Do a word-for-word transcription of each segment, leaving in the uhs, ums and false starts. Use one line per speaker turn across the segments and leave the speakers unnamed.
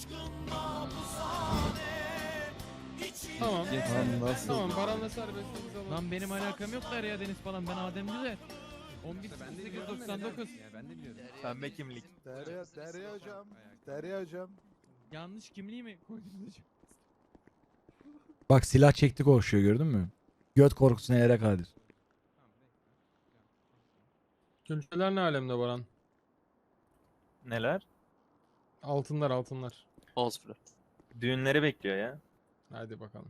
Tamam.
Lan nasıl?
Tamam paranla serbestliğimiz alalım.
Lan benim alakam yok Derya Deniz falan. Ben Adem Güzel. on bir sekiz yüz doksan dokuz.
Ben de biliyorum.
Pembe kimlik.
Derya, Derya hocam. Derya hocam.
Yanlış kimliği mi koydunuz hocam?
Bak silah çekti koşuyor gördün mü? Göt korkusu nelere kadir.
Külçeler ne alemde Baran?
Neler?
Altınlar altınlar.
Olsun.
Düğünleri bekliyor ya.
Hadi bakalım.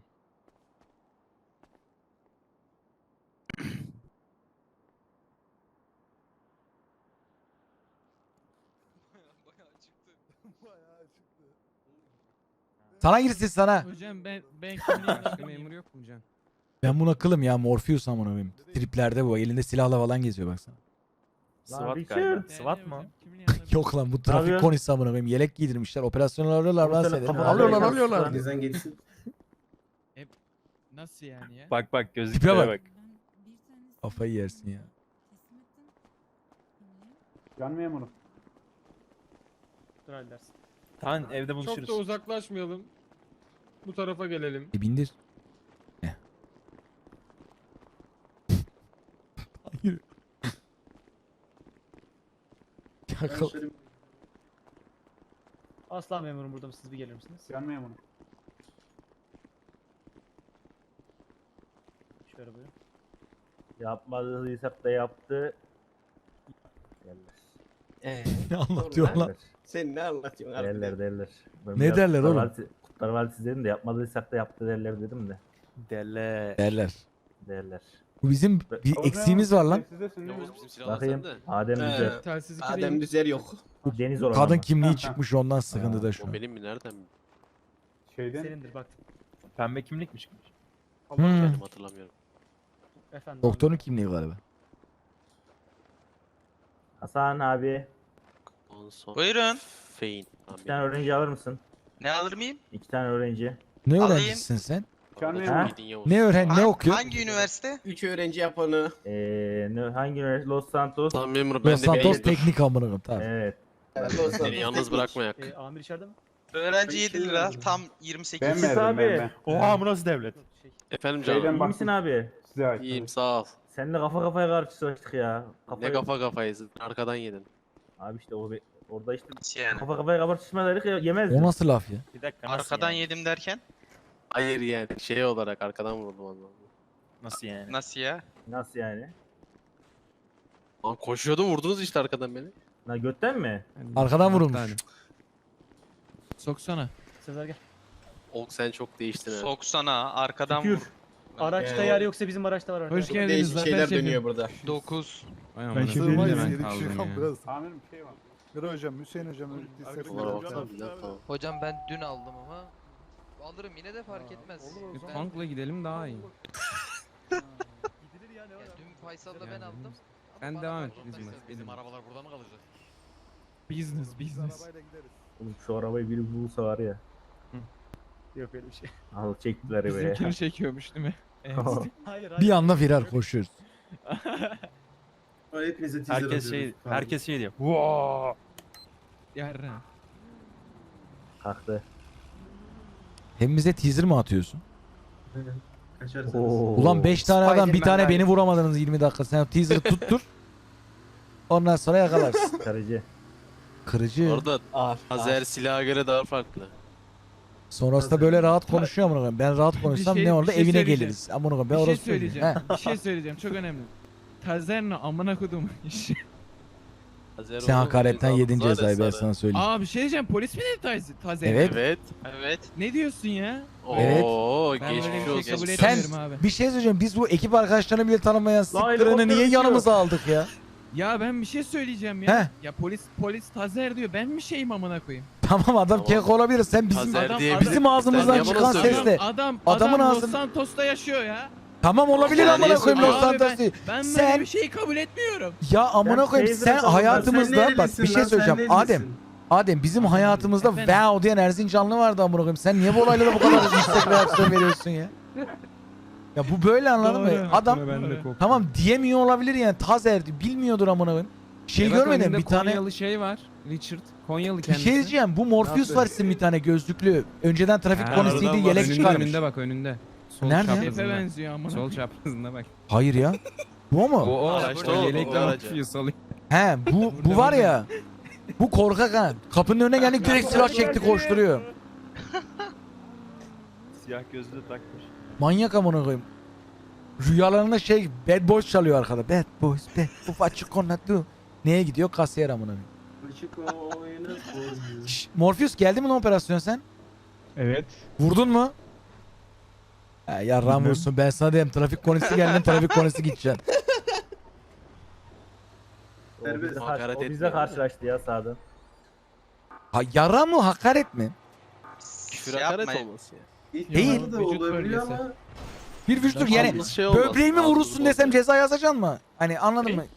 Bayağı çıktı.
Sana girsin sana.
Hocam ben ben kimliğimi
Başka memur yok mu Can?
Ben buna kılım ya, Morpheus amına koyayım. Triplerde bu elinde silahla falan geziyor baksana.
SWAT
Richard.
galiba.
Derya
SWAT mı?
hocam, kimliği alabilir
Yok lan bu trafik
yapıyorsun?
konisi amına koyayım. Yelek giydirmişler. Operasyonu alıyorlar lan
Komiserim,
seni.
kafana
Alıyorlar
göre
alıyorlar.
yapsın.
Bizden geçsin.
Nasıl yani ya?
Bak bak
Tipe
gözlüklere
bak.
bak.
Kafayı yersin ya.
Can memuru. Dur dersin.
Tamam evde
Çok
buluşuruz.
da uzaklaşmayalım. Bu tarafa gelelim.
E bindir. Heh. Hayır. Yakal.
Aslan memurum burada siz bir gelir misiniz? Can memuru. Şöyle buyurun. Yapmadıysa da yaptı.
Ee,
Ne anlatıyor lan?
sen ne anlatıyorsun abi?
Derler derler. Ben
Ne
biraz
derler
Kurtlar
oğlum?
Vadisi- Kurtlar Vadisi dedim de yapmadıysak da yaptı derler dedim de.
Dele.
Derler.
Derler.
Bu bizim bir eksiğimiz var lan.
Yavuz bizim silahı
Bakayım.
sende.
Adem
Ee,
Güzel.
Telsiz iki
Adem
değil.
Düzer yok.
Deniz olan
Kadın
ama.
kimliği çıkmış ondan sıkıntıda şu
O
an.
benim mi? Nereden mi?
Senindir bak.
Pembe kimlik mi çıkmış?
Hmm.
Kendim hatırlamıyorum.
Efendim.
Doktorun kimliği galiba.
Hasan abi.
Ondan sonra
Buyurun.
Fein.
İki tane öğrenci alır mısın?
Ne alır mıyım?
İki tane öğrenci.
Ne
Alayım.
öğrencisin sen?
Ha?
Ne öğren ne
Ha-
okuyor?
Hangi üniversite?
Üç öğrenci yapanı.
Eee ne, hangi üniversite? Los Santos.
Tamam memur ben
Los
de
Santos
bir
teknik amına koyayım tamam.
Evet.
Seni yalnız bırakmayak.
Ee, amir içeride mi?
Öğrenci yedi lira. Tam yirmi sekiz.
Ben mi? abi.
Oha bu nasıl devlet?
Efendim canım.
İyi misin abi?
İyiyim sağ ol.
Seninle kafa kafaya karşılaştık ya.
Ne
Kafayı-
kafa kafayız. Arkadan yedin.
Abi işte o be- orada işte
Nasıl yani?
kafa kafaya kapatışmadaydık ya yemezdik.
O nasıl laf ya?
Bir dakika nasıl
Arkadan
yani?
yedim derken?
Hayır yani şey olarak arkadan vurdum onu.
Nasıl yani?
Nasıl ya?
Nasıl yani?
Lan koşuyordum vurdunuz işte arkadan beni.
Na götten mi?
Arkadan vurulmuş.
Soksana.
Sezer gel.
Olk sen çok değiştin ha.
Soksana arkadan
Tükür.
vur.
Araçta
Ee,
yer yoksa bizim araçta var.
Hoş
Çok
geldiniz
değişik
zafer
şeyler
şefim.
dönüyor burada.
dokuz.
Ben
Sığmayız,
ben
yedik
kaldım
şu an
ya.
biraz.
Amirim bir şey var.
Mira hocam, Hüseyin hocam öldüyse.
Onlara baksana bir dakika.
Hocam ben dün aldım ama alırım yine de fark etmez.
Bir
Ben,
tankla gidelim daha iyi.
Gidilir ya ne
ya
var?
dün Faysal'la ben
Yani
aldım. Ama
Ben
bana
devam
fark
et,
etmez.
bizim- bizim
arabalar burada mı kalacak?
Business
Biz
business.
arabayla gideriz.
Oğlum şu arabayı biri bulsa var ya. Yok öyle bir şey. Al çektiler be.
Bizimkini çekiyormuş değil mi? Evet.
Hayır
Bir anda firar koşuyoruz.
Herkes şey herkes şey diyor. Wow.
Yarra.
Kalktı.
Hem bize teaser mi atıyorsun?
Oo.
Ulan beş tane adam bir tane
Spider-Man
beni vuramadınız yirmi dakika. Sen o teaser'ı tuttur. Ondan sonra yakalarsın.
Karıcı.
Kırıcı.
Orada
Ağır.
Azer silaha göre daha farklı.
Sonrasında böyle rahat konuşuyor amına koyayım. Ben rahat konuşsam
şey-
ne olur
bir şey
evine
söyleyeceğim.
geliriz. Amına koyayım ben
Bir şey
orası söyleyeyim.
söyleyeceğim. Bir şey söyleyeceğim. Çok önemli. Tazerno amına kodum işi.
Azer
Sen
oğlum,
hakaretten
cezamız
yedin
var ya
cezayı ben
sana.
sana söyleyeyim.
Aa bir şey diyeceğim. Polis mi dedi Tazer? Tazer?
Evet.
Evet.
Evet.
Ne diyorsun ya?
Evet.
Oo
Ben böyle
geçmiş
bir şey
olsun.
kabul
Sen
etmiyorum abi.
bir şey söyleyeceğim. Biz bu ekip arkadaşlarını bile tanımayan siktirını
helikopter
niye
uçuyor.
yanımıza aldık ya?
Ya ben bir şey söyleyeceğim ya.
Heh.
Ya polis polis Tazer diyor. Ben mi şeyim amına koyayım?
Tamam adam
Tamam.
kek olabilir. Sen bizim
Tazer
adam-
diye
adam-
bizim ağzımızdan
Sen niye bana
çıkan
söylüyorsun?
sesle.
Adam
Adamın
adam
ağzını-
Los Santos'ta yaşıyor ya.
Tamam olabilir
Yani
amına
niye
koyayım Los
söylüyorsun?
Santos
Abi
değil.
Ben böyle
Sen-
bir şey kabul etmiyorum.
Ya amına
Sen
koyayım
teyze
sen
falan-
hayatımızda bak bir şey söyleyeceğim. Adem Adem bizim hayatımızda
Efendim?
wow diyen Erzincanlı vardı amına koyayım. Sen niye bu olaylara bu kadar yüksek reaksiyon veriyorsun ya? Ya bu böyle anladın mı?
Doğru.
Adam
Ben de korktum.
tamam diyemiyor olabilir yani Tazer bilmiyordur amına koyayım. Şey
E bak
görmedim
önünde
bir tane.
Konyalı şey var. Richard. Konyalı
Bir
kendisi.
şey diyeceğim. Bu Morpheus
Nasıl?
var sizin bir tane gözlüklü. Önceden trafik
Ha,
polisiydi
aradan var.
yelek
önünde,
çıkarmış.
önünde bak önünde. Sol
Nerede?
Şefe
çaprazında.
benziyor amına.
Sol çaprazında bak.
Hayır ya. Bu mu?
O o.
Araçta
o
o,
yelekle
o aracı.
Morpheus oluyor.
He bu bu var ya. Bu korkak ha. Kapının önüne geldik direkt silah çekti koşturuyor.
Siyah gözlüğü takmış.
Manyak amına koyayım. Rüyalarında şey Bad Boys çalıyor arkada. Bad Boys, Bad Boys, what you gonna do? Neye gidiyor? Kasiyer amına koyayım. Şşş, Morpheus geldi mi lan operasyon sen?
Evet.
Vurdun mu? Ha, yarram
Bilmem.
vursun. Ben sana diyeyim trafik konisi geldi trafik konisi gideceksin.
O bize,
Hakaret
o bize
etmiyor.
karşılaştı ya sağda.
Ha yarram mı hakaret mi?
Küfür
Şey
hakaret
yapmayın.
olması ya.
Değil.
Vücut bölgesi.
Bir vücut yani
Ağzımız şey olmaz,
böbreğimi
ağzımız
vurursun desem
bozulur.
ceza yazacaksın mı? Hani anladın mı?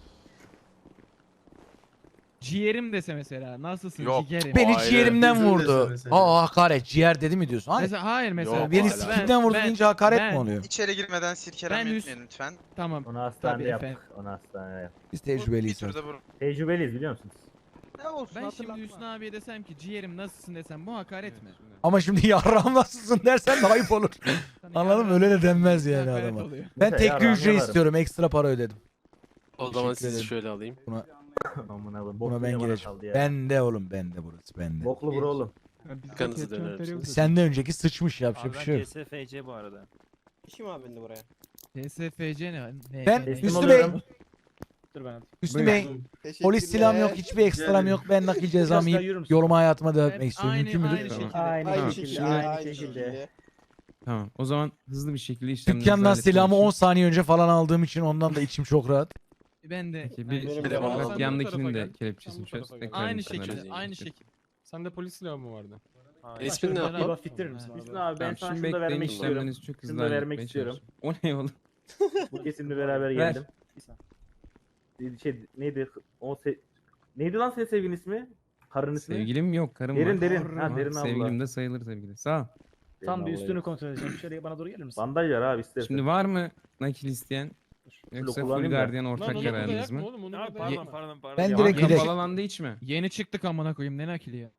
Ciğerim dese mesela. Nasılsın
Yok.
ciğerim?
Beni
Aile.
ciğerimden
Bizim de
vurdu.
mesela.
Aa hakaret ciğer dedi mi diyorsun? Hayır.
Mesela, hayır mesela.
Yok,
Beni
hala.
sikimden vurdu deyince hakaret
ben-
mi oluyor?
İçeri girmeden silkeleme
Ben üst-
etmeyin lütfen.
Tamam.
Onu hastanede
Tabii
yaptık.
efendim.
Onu hastanede yaptık.
Biz
Bir
tecrübeliyiz.
turda vurun.
Tecrübeliyiz biliyor musunuz?
Ne olsun
Ben
hatırlatma.
şimdi Hüsnü abiye desem ki ciğerim nasılsın desem bu hakaret mi?
Ama şimdi yarram nasılsın dersen de ayıp olur.
Sana
Anladın mı?
yarın
Öyle de denmez yani
hakaret
adama.
oluyor.
Ben
Mesela
tekli
yarrağını
ücret
yalarım.
istiyorum. Ekstra para ödedim.
O zaman
Teşekkür
sizi
ederim.
şöyle alayım.
Amına koyayım.
Buna
Boklu
ben
yine bana
gireceğim.
kaldı ya.
Bende oğlum bende burası bende.
Boklu bro oğlum.
Kanınızı dönersiniz.
Senden önceki sıçmış yapacak
Abi
bir
ben
şey yok.
C S F C bu arada.
Kim abi bindi buraya?
T S F C ne? ne
Ben
ne-
Teslim
Hüsnü
oluyorum.
Bey,
Dur ben
Hüsnü Bey, polis silahım yok, hiçbir ekstram yok. Ben nakil cezamı
Biraz daha yürür
yiyip
müsün?
yoluma hayatıma devam
Ben
etmek istiyorum.
aynı-
Mümkün müdür?
aynı
Tamam.
şekilde.
Aynı
Tamam.
şekilde. Aynı şekilde.
Tamam. O zaman hızlı bir şekilde işlemlerinizi
Dükkandan
halletmek
silahımı
için-
on saniye önce falan aldığım için ondan da içim çok rahat.
Ben de.
Peki,
aynı
bir-
şekilde.
Devam
Sen
edelim.
de
Bak
bu
yandakinin
tarafa
de
gel.
kelepçesini
Sen bu
çöz.
tarafa
Tekrar
Aynı
sana
şekilde.
vereyim.
Aynı şekilde.
Sende polis silahı mı vardı?
İsmin ne
Ben-
yapayım?
Bak bitirir misin? Hüsnü abi ben
Tamam,
sana
şimdi
şunu da
bekleyin
vermek istiyorum.
işlemlerinizi çok
Şunu
hızlı
da vermek
halletmeye
istiyorum.
çalışın. O ne oğlum?
Bu kesimle beraber
Ver.
geldim. Şey neydi? O se neydi lan senin sevgilin ismi? Karın ismi?
Sevgilim yok, karım
Derin
var.
derin. Ha
Ama
derin abla.
Sevgilim de sayılır sevgili. Sağ ol.
Tam bir üstünü
kontrol edeceğim. Şöyle bana doğru gelir misin?
bandaj var abi istersen.
Şimdi var mı nakil isteyen? Yoksa full
kullanayım da.
gardiyan
Lan
ortak
onu
kararınız
burada yakma
mı?
oğlum onu
Abi
burada
pardon
yakma.
pardon pardon.
Ben
Ya
direkt
bak,
direkt.
Kapalı alanda içme.
Yeni çıktık amına koyayım ne nakili ya.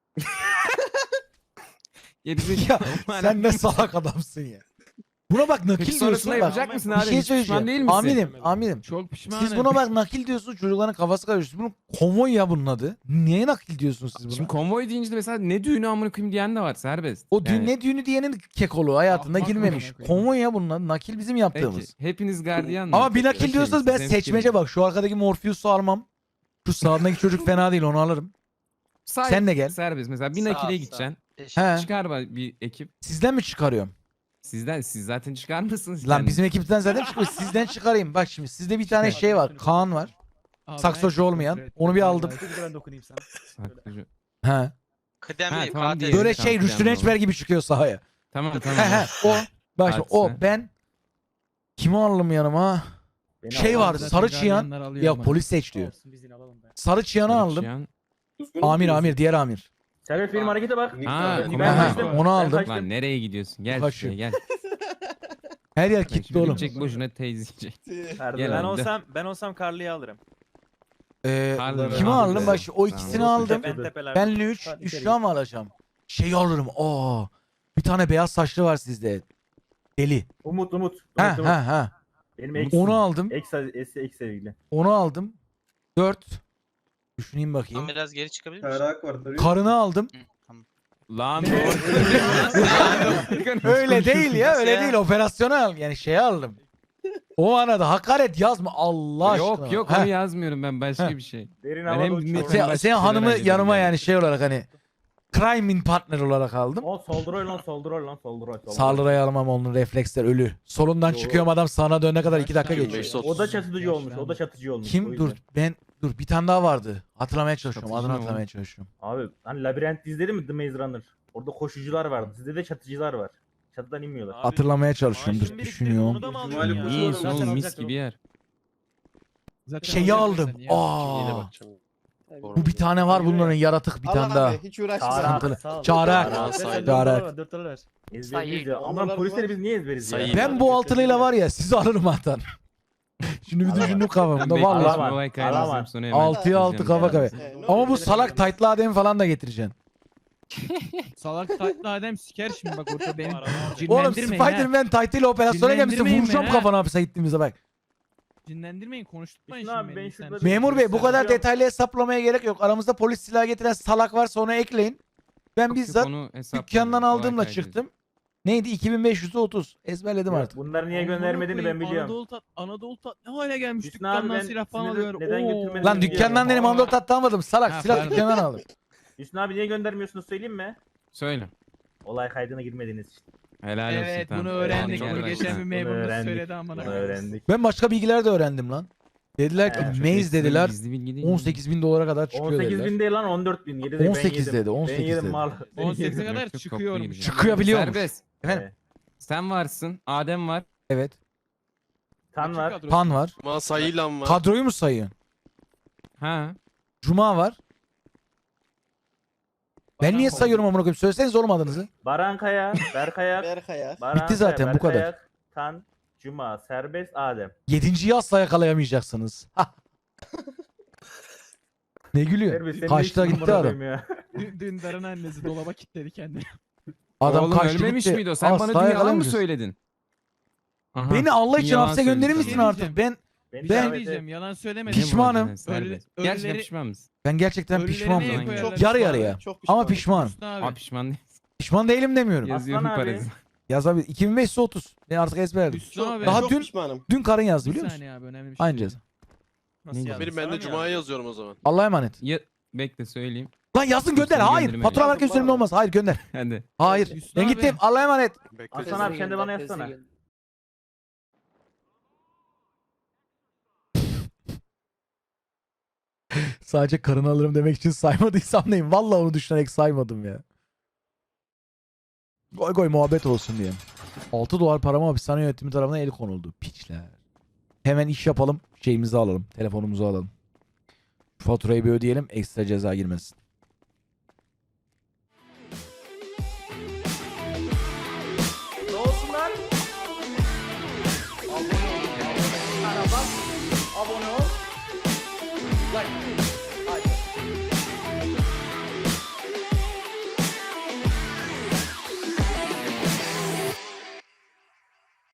Gerizekalı.
Ya sen ne salak adamsın ya. Buna bak nakil
Peki
diyorsun
sonrasında
bak.
yapacak mısın
Bir
abi?
şey
Hiç pişman
söyleyeceğim.
değil misin?
Amirim, amirim.
Çok pişmanım.
Siz buna bak nakil diyorsunuz çocukların kafası karışıyor. Bunun konvoy ya bunun adı. Niye nakil diyorsunuz siz buna?
Şimdi konvoy deyince de mesela ne düğünü amına koyayım diyen de var serbest.
O düğün
Yani,
ne düğünü diyenin kekolu hayatında
Ahmak
girmemiş.
amına koyayım.
Konvoy ya bunun adı. Nakil bizim yaptığımız.
Peki hepiniz gardiyan mı?
Ama bir nakil
Okey,
diyorsanız ben
sizin
seçmece
fikriniz.
bak. Şu arkadaki Morpheus'u almam. Şu sağındaki çocuk fena değil onu alırım.
Say-
Sen de gel.
Serbest mesela bir
Sağ ol,
nakile
sağ ol.
gideceksin.
Teşekkür
He.
Çıkar ba- bir ekip.
Sizden mi çıkarıyorum?
Sizden siz zaten çıkarmıyorsunuz.
Lan
kendiniz.
bizim ekipten zaten çıkıyor. Sizden çıkarayım. Bak şimdi sizde bir tane şey var. Kaan var.
Abi,
saksocu
ben-
olmayan. Onu bir aldım.
Ben dokunayım sana.
Saklıcı.
He.
Ha,
Kıdemliyim
tamam,
katil.
diyelim.
Böyle
Tamam,
şey
tamam,
Rüştü
tamam.
Rençber gibi çıkıyor sahaya.
Tamam
He
tamam.
he o. Bak şimdi o
Hadise.
ben kimi aldım yanıma?
Beni
Şey
al.
var
Zaten
sarı çıyan.
gardiyanlar alıyor
Ya
ama.
polis seç diyor.
Biz yine alalım be.
Sarı çıyanı aldım.
Çıyan-
Amir amir diğer amir.
Serbest benim harekete bak.
Aa,
Ben
kumar
kaçtım.
var. Onu
Ben
aldım.
kaçtım.
Lan nereye gidiyorsun? Gel
Kaçıyor.
şuraya gel.
Her yer
Bak
kilitli
şimdi
oğlum.
gidecek boşuna teyzeyecek.
Perde
Gel
ver.
Ben
abi.
olsam ben olsam Carly'yi alırım.
Ee,
Harbi
kimi
mi?
aldım? Bak şimdi o
Tamam.
ikisini aldım.
Ben tepeler.
Benle üç.
Hadi
Üç
içeri
daha mı alacağım? Şeyi alırım. Aa. Bir tane beyaz saçlı var sizde. Deli.
Umut Umut.
Ha
Umut, Umut.
ha ha.
Benim ex.
Onu aldım.
Ex, ex, ex sevgili.
Onu aldım. Dört. Düşüneyim bakayım.
Tam biraz geri çıkabilir misin?
var.
Karını aldım.
Lan
Öyle değil ya.
Nasıl
Öyle
ya?
değil. Operasyonel. Yani şey aldım. O arada hakaret yazma Allah aşkına.
Yok yok
Heh.
onu yazmıyorum ben başka
Heh.
bir şey.
Derin
Ben
havada
hem
uçuyor.
dinletiyorum,
Sen,
başka
sen
şeyler
hanımı
hallediyorum
yanıma
yani.
yani şey olarak hani crime in partner olarak aldım.
O solduroy lan solduroy lan solduroy. solduroy.
Saldırıya almam onun refleksler ölü. Solundan
Yo.
çıkıyorum adam sağına dönene kadar iki dakika
Kaç
geçiyor.
tane
O da
yaşlandı?
çatıcı olmuş. O da çatıcı olmuş. o
Kim?
yüzden.
Dur ben dur bir tane daha vardı. Hatırlamaya çalışıyorum.
Çatıcı
Adını
ne
hatırlamaya
oğlum?
çalışıyorum.
Abi hani labirent izledin mi The Maze Runner? Orada koşucular vardı. Sizde de çatıcılar var. Çatıdan inmiyorlar.
Abi,
Hatırlamaya çalışıyorum.
maaşın
Dur
birikti,
düşünüyorum.
Onu da mı
İhtimal
alıyorsun
bu.
ya?
İyi
Zaten
oğlum mis
alacaktım.
gibi yer.
Zaten
Şeyi
alacaksın
aldım.
sen ya.
Yine
Aa.
bakacağım.
Bu bir tane var bunların yaratık bir tane daha.
Hiç uğraşma.
Sıkıntılı.
Sağ ol.
Çağırak.
Aa, say-
Çağırak.
Ezberliyiz
Sayı.
ya. Ama polisleri biz niye ezberiz ya?
Sayı.
Ben bu altılıyla var ya sizi alırım hatan. Şimdi bir düşündüm kafamda
Ben
vallahi.
Alamam,
olay kaydını
alamam.
yazayım, sonra hemen
Altıya altı
yazacağım.
kafa kafa. Ama bu salak taytlı Adem falan da getireceksin.
Salak tatlı Adem siker şimdi bak orada benim.
Oğlum
Cinlendirmeyin ha.
Spider-Man taytıyla operasyona gelmişsin.
Dinlendirmeyin
Vuracağım
beni ha.
kafana hapise gittiğimizde bak.
Cinlendirmeyin konuşturmayın
Hüsnü
şimdi
abi, ben
beni.
şurada
sen.
bir-
Memur bey bu kadar
Biliyorum.
detaylı hesaplamaya gerek yok. Aramızda polis silahı getiren salak varsa onu ekleyin. Ben
Yok, yok,
bizzat
onu hesaplamıyorum,
dükkandan
olay
aldığımla
kaydı
çıktım. Neydi? iki bin beş yüz otuz. Ezberledim
Yok,
artık.
bunları niye
Amına
göndermediğini ben
koyayım,
biliyorum.
Anadolu tat, Anadolu tat ne hale gelmiş
Hüsnü abi,
dükkandan
ben
silah falan
sinirli-
alıyor.
neden
Oo.
götürmediğini
Lan
biliyorum.
dükkandan dedim Anadolu tatlı almadım. Salak
Ha,
silah
pardon.
dükkandan aldım.
Hüsnü abi niye göndermiyorsunuz söyleyeyim mi?
Söyle.
Olay kaydına girmediğiniz için.
Helal olsun.
Evet
tamam.
bunu öğrendik.
Tamam,
Bunu
gel
geçen bir
başla.
Bunu
memurumuz
öğrendik.
söyledi amına.
Bunu
koyayım.
öğrendik.
Ben başka bilgiler de öğrendim lan. Dediler ki
He, çok
Maze
Ekstra
dediler
gizli bilgi değil
on
mi?
sekiz bin dolara kadar çıkıyor
on sekiz
dediler.
bin değil lan on dört bin. Yedi de ben
on sekiz
yedim.
dedi, on sekiz
Ben yedim
dedi.
mal. Ben
on sekize
yedim.
kadar
Yok, yok,
çıkıyormuş.
toplu
Çıkabiliyormuş.
Serbest.
Efendim?
Evet.
Sen varsın. Adem var.
Evet.
Tan var.
Kadro.
Pan var.
Masayla var.
Kadroyu mu sayıyorsun?
Ha.
Cuma var. Ben
Baran
niye
var.
sayıyorum amına koyayım? Söyleseniz oğlum adınızı.
Baran Kaya, Berkaya,
Berkaya.
Baran
Bitti zaten,
Kaya,
bu kadar.
Berkaya, Tan, Cuma, Serbest, Adem.
Yedinciyi asla yakalayamayacaksınız. Ne gülüyor?
Serbest, senin
Kaçta
ne işin
gitti
var
adam?
amına koyayım ya?
Dün, Dündar'ın annesi dolaba kilitledi kendini.
Adam
Oğlum
kaçtı
ölmemiş
gitti.
miydi o? Sen
Asla
bana dün yalan mı
yakalayamayacağız.
söyledin? Aha,
Beni Allah
dün
için
yalan
hapse gönderir
söyledin
misin
bana.
artık? Ben
Beni
Bir
Ben-
şey
davet
diyeceğim
et.
yalan söylemedim.
Ne
Pişmanım.
borcun serbest?
Ölü-
Gerçekten
ölüleri-
pişman mısın?
ben gerçekten
Ölüleri
pişmanım.
neye
Çok
koyarlar?
Yarı
Hüsnü
yarıya.
abi?
Çok
Ama
pişmanım.
pişmanım.
Hüsnü abi.
Aa pişman değil.
Pişman değilim demiyorum.
Yazıyorum
abi.
parası.
Yaz abi iki bin beş yüz otuz. Ben artık ezberledim.
Hüsnü abi.
Daha
Çok
dün-
pişmanım.
Dün karın yazdı
Bir
biliyor musun?
saniye abi önemli bir şey.
Aynı
değil.
ceza.
Nasıl
Ne
yani?
Benim ben
Sana
de
mı
Cuma'ya
yazdın?
yazıyorum o zaman.
Allah'a emanet.
Ya, bekle söyleyeyim.
Lan yazın gönder.
Hüsnü
Hayır.
gönderme.
Fatura herkes
Yazdım
üzerimde
bana.
olmaz. Hayır gönder.
Hadi.
Hayır.
Hüsnü
Ben
abi.
gittim. Allah'a emanet.
Bekle.
Hasan abi sen de bana yazsana.
Sadece karını alırım demek için saymadıysam neyim? Vallahi onu düşünerek saymadım ya. Goy goy muhabbet olsun diye. altı dolar parama hapishane yönetimi tarafından el konuldu. Piçler. Hemen iş yapalım. Şeyimizi alalım. Telefonumuzu alalım. Şu faturayı bir ödeyelim. Ekstra ceza girmesin.
Ne olsun lan? Abone ol. Abone ol. Like. Hadi.